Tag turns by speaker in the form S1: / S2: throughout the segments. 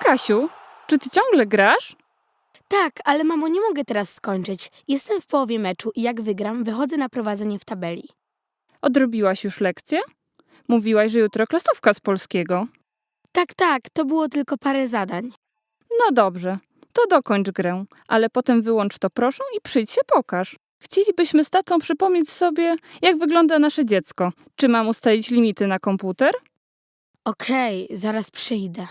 S1: Kasiu, czy ty ciągle grasz?
S2: Tak, ale mamo, nie mogę teraz skończyć. Jestem w połowie meczu i jak wygram, wychodzę na prowadzenie w tabeli.
S1: Odrobiłaś już lekcję? Mówiłaś, że jutro klasówka z polskiego.
S2: Tak, to było tylko parę zadań.
S1: No dobrze, to dokończ grę, ale potem wyłącz to proszę i przyjdź się pokaż. Chcielibyśmy z tatą przypomnieć sobie, jak wygląda nasze dziecko. Czy mam ustalić limity na komputer?
S2: Okej, zaraz przyjdę.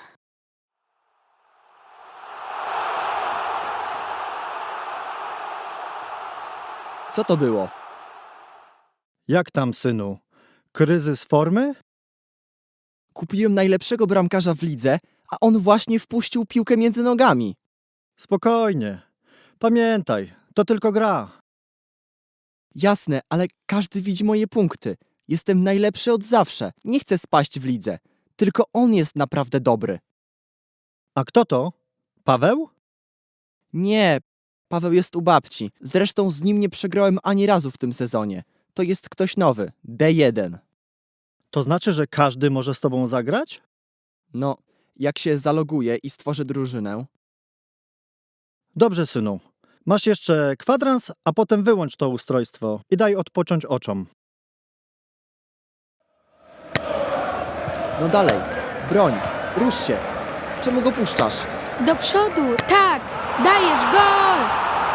S3: Co to było?
S4: Jak tam, synu? Kryzys formy?
S3: Kupiłem najlepszego bramkarza w lidze, a on właśnie wpuścił piłkę między nogami.
S4: Spokojnie. Pamiętaj, to tylko gra.
S3: Jasne, ale każdy widzi moje punkty. Jestem najlepszy od zawsze. Nie chcę spaść w lidze. Tylko on jest naprawdę dobry.
S4: A kto to? Paweł?
S3: Nie, Paweł jest u babci. Zresztą z nim nie przegrałem ani razu w tym sezonie. To jest ktoś nowy, D1.
S4: To znaczy, że każdy może z tobą zagrać?
S3: No, jak się zaloguję i stworzę drużynę.
S4: Dobrze, synu. Masz jeszcze kwadrans, a potem wyłącz to ustrojstwo i daj odpocząć oczom.
S3: No dalej, broń, rusz się. Czemu go puszczasz?
S2: Do przodu, tak! Dajesz gol!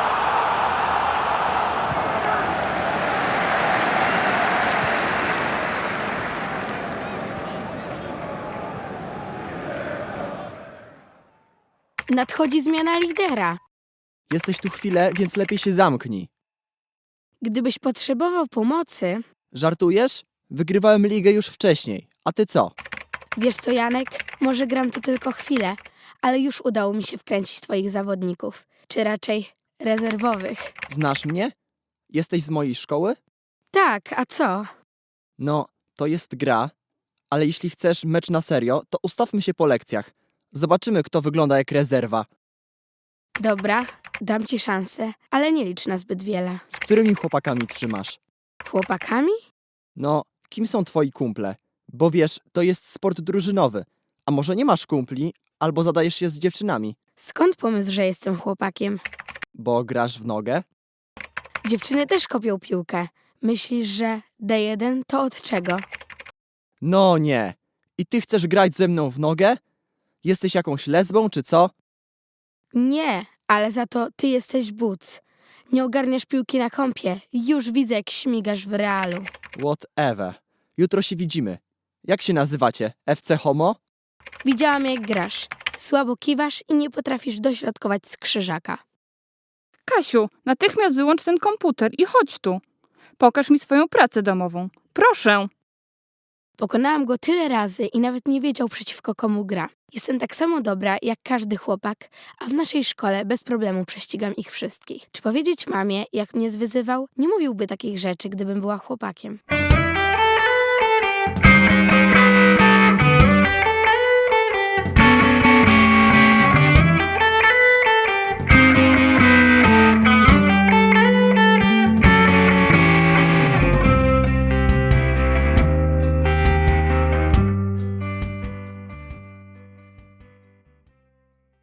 S2: Nadchodzi zmiana lidera.
S3: Jesteś tu chwilę, więc lepiej się zamknij.
S2: Gdybyś potrzebował pomocy...
S3: Żartujesz? Wygrywałem ligę już wcześniej. A ty co?
S2: Wiesz co, Janek? Może gram tu tylko chwilę, ale już udało mi się wkręcić twoich zawodników. Czy raczej rezerwowych.
S3: Znasz mnie? Jesteś z mojej szkoły?
S2: Tak, a co?
S3: No, to jest gra, ale jeśli chcesz mecz na serio, to ustawmy się po lekcjach. Zobaczymy, kto wygląda jak rezerwa.
S2: Dobra, dam ci szansę, ale nie licz na zbyt wiele.
S3: Z którymi chłopakami trzymasz?
S2: Chłopakami?
S3: No, kim są twoi kumple? Bo wiesz, to jest sport drużynowy. A może nie masz kumpli, albo zadajesz się z dziewczynami?
S2: Skąd pomysł, że jestem chłopakiem?
S3: Bo grasz w nogę?
S2: Dziewczyny też kopią piłkę. Myślisz, że D1 to od czego?
S3: No nie. I ty chcesz grać ze mną w nogę? Jesteś jakąś lesbą, czy co?
S2: Nie, ale za to ty jesteś buc. Nie ogarniasz piłki na kąpie. Już widzę, jak śmigasz w realu.
S3: Whatever. Jutro się widzimy. Jak się nazywacie? FC Homo?
S2: Widziałam, jak grasz. Słabo kiwasz i nie potrafisz dośrodkować z krzyżaka.
S1: Kasiu, natychmiast wyłącz ten komputer i chodź tu. Pokaż mi swoją pracę domową. Proszę.
S2: Pokonałam go tyle razy i nawet nie wiedział, przeciwko komu gra. Jestem tak samo dobra, jak każdy chłopak, a w naszej szkole bez problemu prześcigam ich wszystkich. Czy powiedzieć mamie, jak mnie zwyzywał? Nie mówiłby takich rzeczy, gdybym była chłopakiem.